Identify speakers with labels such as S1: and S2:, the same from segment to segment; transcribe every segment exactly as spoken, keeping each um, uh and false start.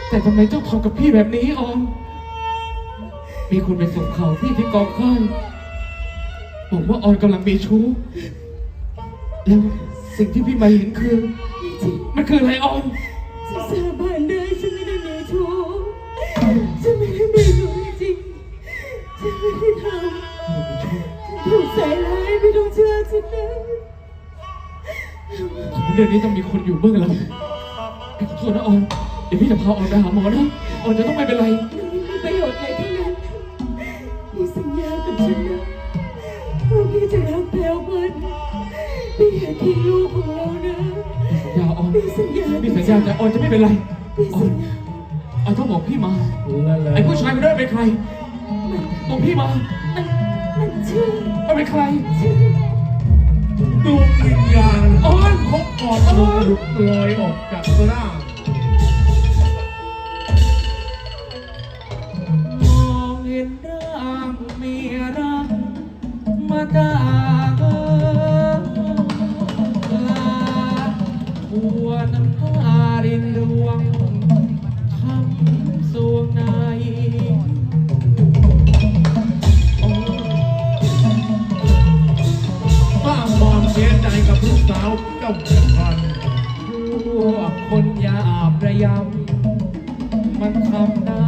S1: แต่ทำไมเจ้าทำกับพี่แบบนี้ออมมีคนไปส่งข่าวพี่ที่กองค่ายบอกว่าออนกำลังมีชู้แล้วสิ่งที่พี่มาเห็นคือมันคืออะไรออม
S2: ฉันสาบานได้ฉันไม่ได้มีชู้ฉันไม่ได้มีชู้จริงฉันไม่ได้ทำถูกใส่ร้ายไม่ต้องเชื่อฉันนะ
S1: เรื่องนี้ต้องมีคนอยู่เบื้องหลังพี่ขอโทษนะออนเดี๋ยวพี่จะพาออนไปหาหมอนะออนจะต้องไม่เป็นไร
S2: ไม่มีประโยชน์อะไรทั้งนั้นพี่สัญญากับฉันนะว่าพี่จะรักแพลวมันพี่อย่าทิ้งลูกของเรานะ
S1: อย่าออน
S2: พี่สัญญา
S1: พี่สัญญาแต่ออนจะไม่เป็นไรออนออนต้องบอกพี่มาไอ้ผู้ชายคนนั้นเป็นใครบอกพี่มา
S2: มันมันชื่อ
S1: มันเป็นใคร
S2: ชื่อ
S3: ดวงวิญญาณ
S1: ออน
S3: ของออนลงหลุดลอยออกจากร่าง
S1: มองเห็นร่างมีรักมาจากลาหัวน้ำตารินรวงช้ำสวงใน
S3: สร้างความเสียใจกับลูกสาวเจ้าเมืองพัน
S1: พวกคนยาประยำมันทำได้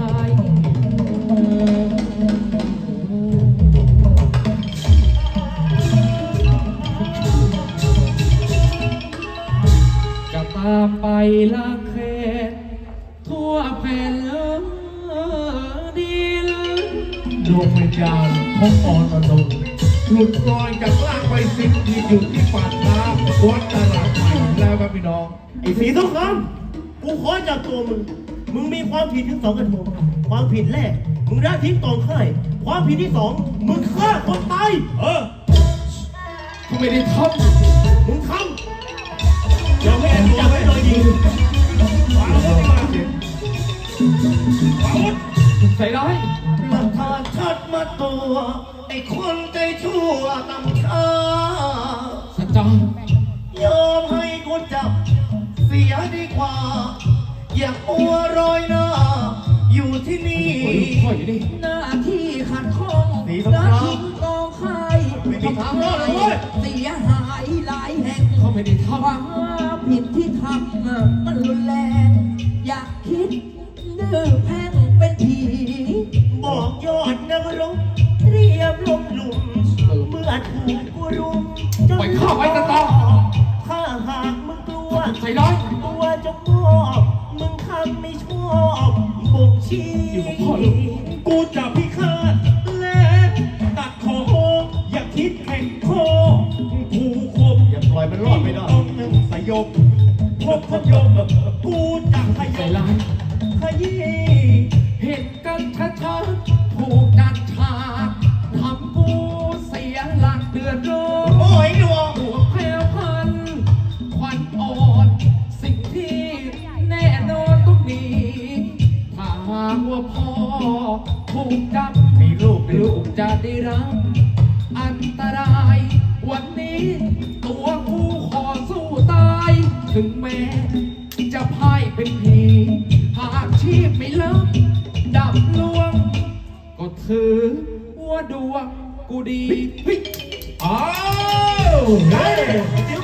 S1: จะตามไปล้างแค้นทั่วแผ่นดิน
S3: ดวงวิญญาณของออนอนงหลุดลอยจากร่างไปสิ้นที่อยู่ที่ปากน้ำวัดตลาดใหม่แล้วครับพี่น้อง
S4: ไอ้สีสงครามกูขอจากตัวมึง มึงมีความผิดถึงสองกระทงความผิดแรก มึงละทิ้งกองค่าย ความผิดที่สอง มึงฆ่าคนตาย เออ
S1: กูไม่ได้ท
S4: ำมึงทำอย่าแม่ตัวไว้เลยยิงวางอาวุธมาวางอาวุธ
S1: ใส่ร้าย
S4: หลักฐานชัดมาตัวไอ้คนใจชั่วตำชา
S1: สัจจ
S4: ยอมให้กูจับเสียดีกว่าอย่ามัวรอยหน้าอยู่ที่นี่
S2: หน้าที่ขัดข้องและทิ้งกองไข่
S4: ทำทางรอดเลย
S2: เสียหายหลายแห่ง
S1: เขาไม่ได้ทำ
S2: ความผิดที่ทำมันรุนแรงอยากคิดดื้อแพ่งเป็นผี
S4: บอกยอดนักรบเรียบลมหลุมเมื่อถูกกูรุม
S1: ปล่อยข้าไว้ตะตา
S4: ข้าหากมึงกลัว
S1: ใส่ร้าย
S4: ตัวจะมอบมึงทำไม่ชอบบ่งชี้กูจะพิฆาตและตัดคออย่าคิดแข่งคอกูคมอย่าปล่อยมันรอดไม่ได้ต้องนึ่งสยบพบพยมกูจะขยันขยี้
S1: เห็นกันชัดๆถูกดัดฉากทำกูเสียหลักเดือดร้อน
S4: โอ้ยดวง
S1: หัวแผ่วพันควันอ่อนสิ่งที่แน่นอนต้องหนีถ้าหากว่าพ่อถูกจับ
S4: มีลูก
S1: ลูกจะได้รับอันตรายวันนี้ตัวกูขอสู้ตายถึงแม้จะพ่ายเป็นผีหากชีพไม่ลับดับลวงก็ถือว่าดวงกูดี
S3: อ้าวเฮ้ย